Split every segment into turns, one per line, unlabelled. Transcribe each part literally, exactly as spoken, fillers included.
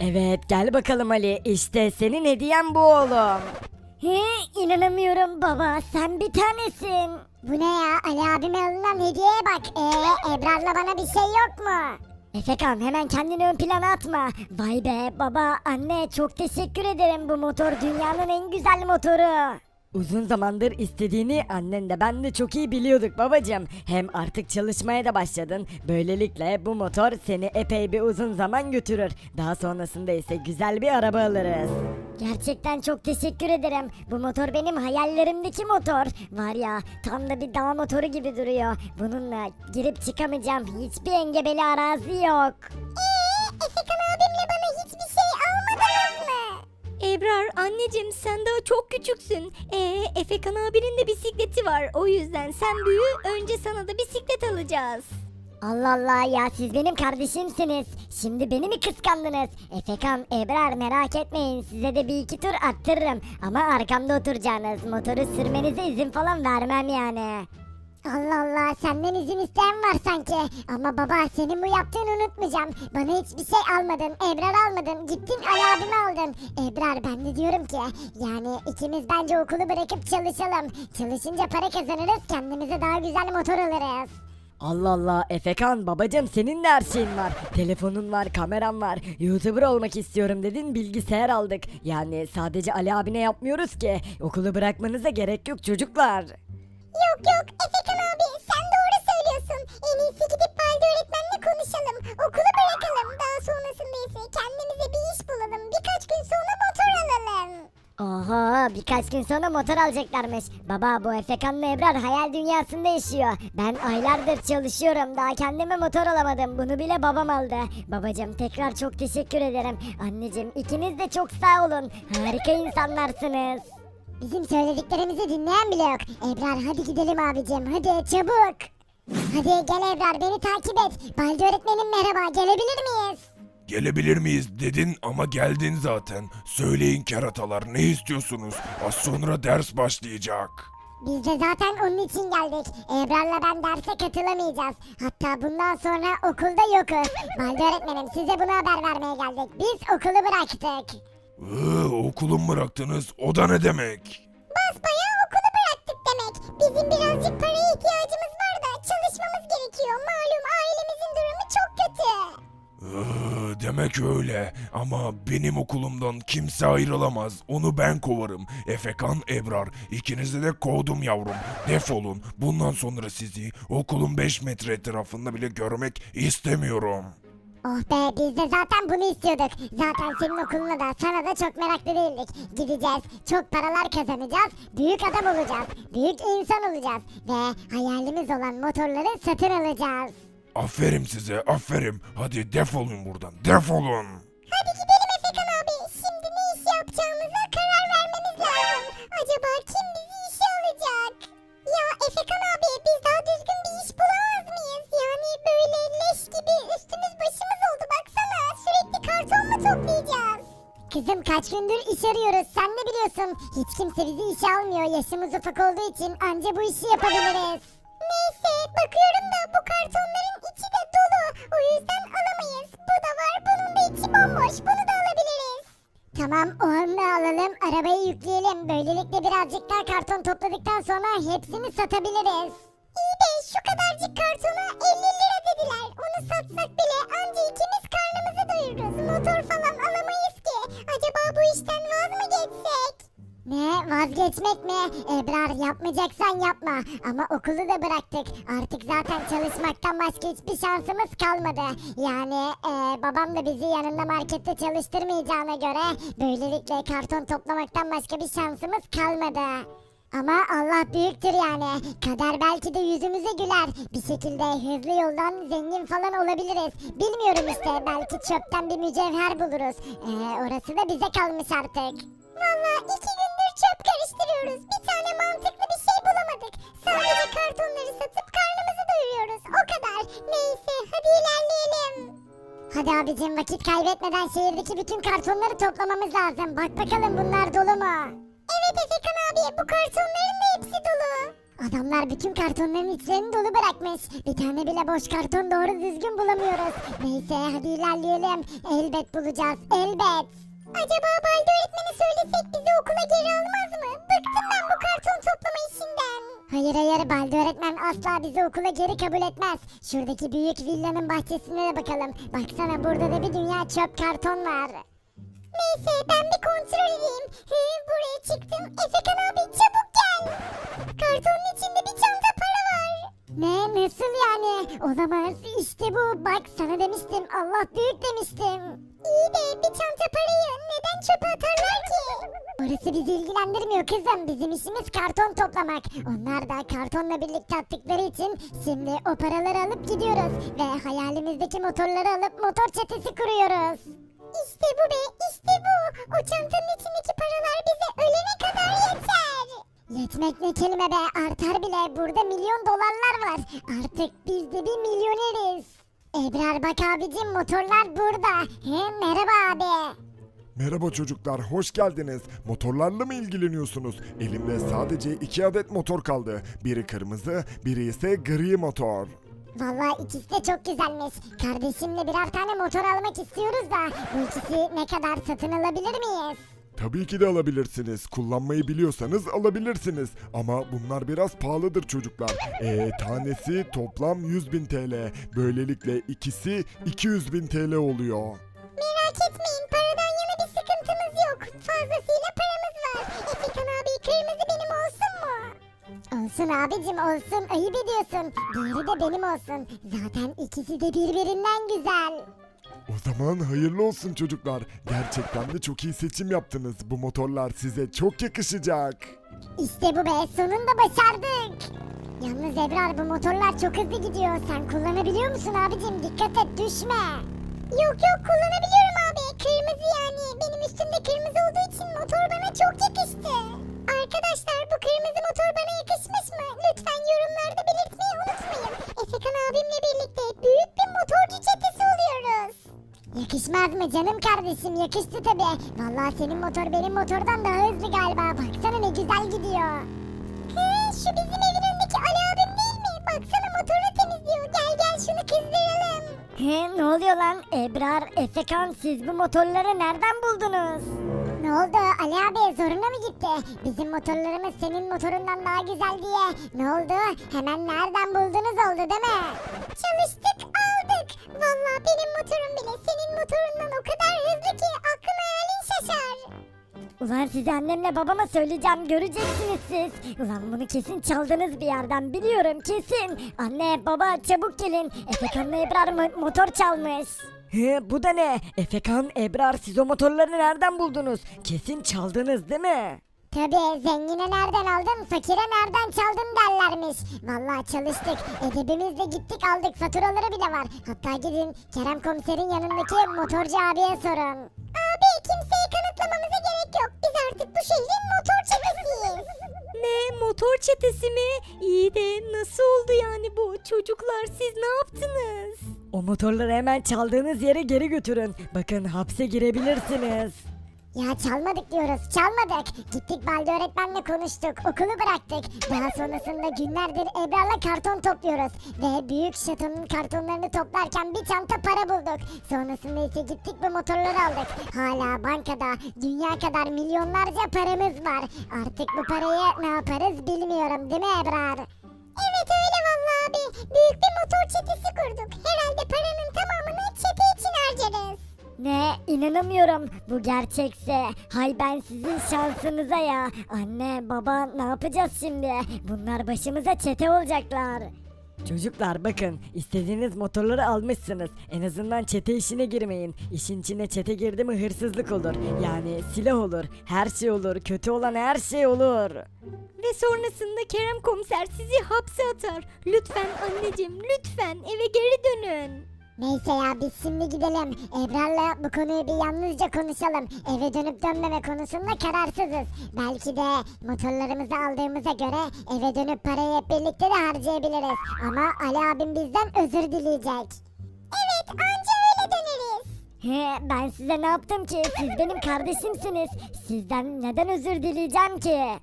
Evet gel bakalım Ali, işte senin hediyen bu oğlum.
He, inanamıyorum baba, sen bir tanesin. Bu ne ya, Ali abime alınan hediyeye bak. Ee, Ebrar'la bana bir şey yok mu? Efekan, hemen kendini ön plana atma. Vay be baba, anne, çok teşekkür ederim, bu motor dünyanın en güzel motoru.
Uzun zamandır istediğini annen de ben de çok iyi biliyorduk babacığım. Hem artık çalışmaya da başladın. Böylelikle bu motor seni epey bir uzun zaman götürür. Daha sonrasında ise güzel bir araba alırız.
Gerçekten çok teşekkür ederim. Bu motor benim hayallerimdeki motor. Var ya, tam da bir dağ motoru gibi duruyor. Bununla girip çıkamayacağım hiçbir engebeli arazi yok. Eee, Efekan abimle bana hiçbir şey almadınız mı?
Ebrar anneciğim sen daha çok küçüksün. Ee, Efekan abinin de bisikleti var. O yüzden sen büyü önce sana da bisiklet alacağız.
Allah Allah ya, siz benim kardeşimsiniz. Şimdi beni mi kıskandınız? Efekan, Ebrar, merak etmeyin, size de bir iki tur attırırım. Ama arkamda oturacaksınız. Motoru sürmenize izin falan vermem yani. Allah Allah, senden izin isteyen var sanki. Ama baba, senin bu yaptığını unutmayacağım. Bana hiçbir şey almadın, Ebrar almadın, gittin Ali abimi aldın. Ebrar, ben de diyorum ki yani ikimiz bence okulu bırakıp çalışalım. Çalışınca para kazanırız, kendimize daha güzel motor alırız.
Allah Allah Efekan babacığım, senin de her şeyin var. Telefonun var, kameran var. YouTuber olmak istiyorum dedin, bilgisayar aldık. Yani sadece Ali abine yapmıyoruz ki. Okulu bırakmanıza gerek yok çocuklar.
Yok yok Efekan abi, sen doğru söylüyorsun. En iyisi gidip Balde öğretmenle konuşalım. Okulu bırakalım. Daha sonrasında ise kendimize bir iş bulalım. Birkaç gün sonra motor alalım. Oha, birkaç gün sonra motor alacaklarmış. Baba, bu Efekan'la Ebrar hayal dünyasında yaşıyor. Ben aylardır çalışıyorum, daha kendime motor alamadım. Bunu bile babam aldı. Babacım, tekrar çok teşekkür ederim. Anneciğim, ikiniz de çok sağ olun. Harika insanlarsınız. Bizim söylediklerimizi dinleyen bile yok. Ebrar, hadi gidelim abicim, hadi çabuk. Hadi gel Ebrar, beni takip et. Balde öğretmenim merhaba, gelebilir miyiz?
Gelebilir miyiz dedin ama geldin zaten. Söyleyin keratalar, ne istiyorsunuz? Az sonra ders başlayacak.
Biz de zaten onun için geldik. Ebrar'la ben derse katılamayacağız. Hatta bundan sonra okulda yokuz. Balde öğretmenim, size bunu haber vermeye geldik. Biz okulu bıraktık.
Iıı, okulu mu bıraktınız? O da ne demek?
Basbayağı okulu bıraktık demek. Bizim birazcık paraya ihtiyacımız var da çalışmamız gerekiyor. Malum ailemizin durumu çok kötü.
Iıı, demek öyle. Ama benim okulumdan kimse ayrılamaz. Onu ben kovarım. Efekan, Ebrar, ikinizi de kovdum yavrum. Defolun. Bundan sonra sizi okulun beş metre etrafında bile görmek istemiyorum.
Oh be, biz de zaten bunu istiyorduk. Zaten senin okuluna da sana da çok meraklı değildik. Gideceğiz, çok paralar kazanacağız, büyük adam olacağız, büyük insan olacağız ve hayalimiz olan motorları satın alacağız.
Aferin size, aferin. Hadi defolun buradan, defolun.
Hadi gidelim Efekan abi. Şimdi ne iş yapacağımıza karar vermemiz lazım. Acaba kim bizi işe alacak? Ya Efekan abi, biz daha düzgün bir iş bulamaz mıyız? Yani böyle leş gibi üstümüz başımız oldu baksana. Sürekli karton mu toplayacağız? Kızım, kaç gündür iş arıyoruz, sen de biliyorsun. Hiç kimse bizi işe almıyor. Yaşımız ufak olduğu için anca bu işi yapabiliriz. Neyse, bakıyorum da bu kartonların içi de dolu. O yüzden alamayız. Bu da var, bunun da içi bomboş. Bunu da alabiliriz. Tamam, o anda alalım. Arabayı yükleyelim. Böylelikle birazcık daha karton topladıktan sonra hepsini satabiliriz. İyi de şu kadarcık kartona elli lira dediler. Onu satsak bile anca ikimiz karnımızı doyururuz. Motor falan alamayız ki. Acaba bu işten vaz mı geçsek? Ne, vazgeçmek mi? Ebrar, yapmayacaksan yapma. Ama okulu da bıraktık. Artık zaten çalışmaktan başka hiçbir şansımız kalmadı. Yani e, babam da bizi yanında markette çalıştırmayacağına göre böylelikle karton toplamaktan başka bir şansımız kalmadı. Ama Allah büyüktür yani. Kader belki de yüzümüze güler. Bir şekilde hızlı yoldan zengin falan olabiliriz. Bilmiyorum işte, belki çöpten bir mücevher buluruz. Ee, orası da bize kalmış artık. Valla iki gündür çöp karıştırıyoruz. Bir tane mantıklı bir şey bulamadık. Sadece kartonları satıp karnımızı doyuruyoruz. O kadar. Neyse, hadi ilerleyelim. Hadi abicim, vakit kaybetmeden şehirdeki bütün kartonları toplamamız lazım. Bak bakalım bunlar dolu mu? Evet Efekan abi, bu kartonların da hepsi dolu. Adamlar bütün kartonların içlerini dolu bırakmış. Bir tane bile boş karton doğru düzgün bulamıyoruz. Neyse hadi ilerleyelim. Elbet bulacağız, elbet. Acaba Baldi öğretmeni söylesek bizi okula geri almaz mı? Bıktım ben bu karton toplama işinden. Hayır hayır, Baldi öğretmen asla bizi okula geri kabul etmez. Şuradaki büyük villanın bahçesine de bakalım. Baksana, burada da bir dünya çöp karton var. Neyse ben bir kontrol edeyim. He, buraya çıktım. Efekan abi çabuk gel. Kartonun içinde bir çanta para var. Ne, nasıl yani? Olamaz. İşte bu. Bak, sana demiştim. Allah büyük demiştim. İyi de bir çanta parayı neden çöpe atarlar ki? Orası bizi ilgilendirmiyor kızım. Bizim işimiz karton toplamak. Onlar da kartonla birlikte attıkları için şimdi o paraları alıp gidiyoruz. Ve hayalimizdeki motorları alıp motor çetesi kuruyoruz. İşte bu be, işte bu. O çantanın içindeki paralar bize ölene kadar yeter. Yetmek ne kelime be, artar bile. Burada milyon dolarlar var. Artık biz de bir milyoneriz. Ebrar bak abicim, motorlar burada. He, merhaba abi.
Merhaba çocuklar, hoş geldiniz. Motorlarla mı ilgileniyorsunuz? Elimde sadece iki adet motor kaldı. Biri kırmızı, biri ise gri motor.
Vallahi ikisi de çok güzelmiş. Kardeşimle birer tane motor almak istiyoruz da bu ikisi ne kadar, satın alabilir miyiz?
Tabii ki de alabilirsiniz. Kullanmayı biliyorsanız alabilirsiniz. Ama bunlar biraz pahalıdır çocuklar. Ee, tanesi toplam yüz bin T L. Böylelikle ikisi iki yüz bin T L oluyor.
Merak etmeyin, paradan yana bir sıkıntımız yok. Fazlasıyla paramız var. Efekan abi, kırmızı benim olsun mu? Olsun abicim, olsun. Ayıp ediyorsun. Diğeri de benim olsun. Zaten ikisi de birbirinden güzel.
O zaman hayırlı olsun çocuklar. Gerçekten de çok iyi seçim yaptınız. Bu motorlar size çok yakışacak.
İşte bu be, sonunda başardık. Yalnız Ebrar, bu motorlar çok hızlı gidiyor. Sen kullanabiliyor musun abicim? Dikkat et, düşme. Yok yok, kullanabiliyorum abi. Kırmızı yani. Benim üstümde kırmızı olduğu için motor bana çok yakıştı. Arkadaşlar, bu kırmızı motor bana yakışmış mı? Lütfen yorumlarda belirtmeyi unutmayın. Efekan abimle birlikte büyük bir motorcu çetesi oluyoruz. Yakışmaz mı canım kardeşim? Yakıştı tabii. Vallahi senin motor benim motordan daha hızlı galiba. Baksana ne güzel gidiyor. He, şu bizim evin önündeki Ali abim değil mi? Baksana, motoru temizliyor. Gel gel şunu kızdıralım.
He, ne oluyor lan? Ebrar, Efekan, siz bu motorları nereden buldunuz?
Ne oldu Ali abi, zoruna mı gitti? Bizim motorlarımız senin motorundan daha güzel diye. Ne oldu? Hemen nereden buldunuz oldu değil mi? Çalıştık, aldık. Vallahi benim motorum bile senin motorundan o kadar hızlı ki aklın hayalin şaşar.
Ulan size annemle babama söyleyeceğim, göreceksiniz siz. Ulan bunu kesin çaldınız bir yerden, biliyorum kesin. Anne baba çabuk gelin. Efekan'la Ebrar mo- motor çalmış. He, bu da ne? Efekan, Ebrar, siz o motorları nereden buldunuz? Kesin çaldınız değil mi?
Tabii, zengine nereden aldın, fakire nereden çaldın derlermiş. Vallahi çalıştık, edebimizle gittik aldık, faturaları bile var. Hatta gidin Kerem komiserin yanındaki motorcu abiye sorun. Abi, kimseye kanıtlamamıza gerek yok. Biz artık bu şehrin motor çetesiyiz.
Ne, motor çetesi mi? İyi de nasıl oldu yani bu? Çocuklar siz ne yaptınız?
O motorları hemen çaldığınız yere geri götürün. Bakın, hapse girebilirsiniz.
Ya çalmadık diyoruz, çalmadık. Gittik Baldi öğretmenle konuştuk, okulu bıraktık. Daha sonrasında günlerdir Ebrar'la karton topluyoruz. Ve büyük şatonun kartonlarını toplarken bir çanta para bulduk. Sonrasında ise gittik bu motorları aldık. Hala bankada dünya kadar milyonlarca paramız var. Artık bu parayı ne yaparız bilmiyorum, değil mi Ebrar? Evet öyle vallahi abi. Büyük bir motor çetesi kurduk. Herhalde paranın tamamını çete için harcarız.
Ne? İnanamıyorum. Bu gerçekse. Hay ben sizin şansınıza ya. Anne, baba, ne yapacağız şimdi? Bunlar başımıza çete olacaklar. Çocuklar bakın, istediğiniz motorları almışsınız. En azından çete işine girmeyin. İşin içine çete girdi mi hırsızlık olur. Yani silah olur. Her şey olur. Kötü olan her şey olur.
Ve sonrasında Kerem komiser sizi hapse atar. Lütfen anneciğim, lütfen eve geri dönün.
Neyse ya, biz şimdi gidelim. Ebrar'la bu konuyu bir yalnızca konuşalım. Eve dönüp dönmeme konusunda kararsızız. Belki de motorlarımızı aldığımıza göre eve dönüp parayı hep birlikte de harcayabiliriz. Ama Ali abim bizden özür dileyecek. Evet, anca öyle döneriz.
He, ben size ne yaptım ki? Siz benim kardeşimsiniz. Sizden neden özür dileyeceğim ki?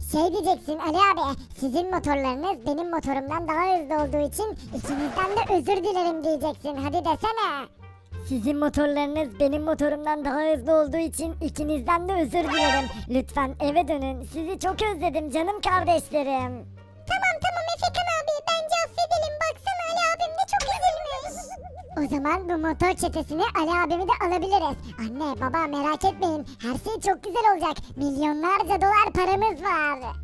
Şey diyeceksin Ali abi, sizin motorlarınız benim motorumdan daha hızlı olduğu için ikinizden de özür dilerim diyeceksin. Hadi desene.
Sizin motorlarınız benim motorumdan daha hızlı olduğu için ikinizden de özür dilerim. Lütfen eve dönün. Sizi çok özledim canım kardeşlerim.
Tamam tamam Efekan abi, bence affedelim. Baksana Ali abim de çok üzülmüş. O zaman bu motor çetesini Ali abimi de alabiliriz. Anne baba merak etmeyin, her şey çok güzel olacak. Milyonlarca dolar paramız var.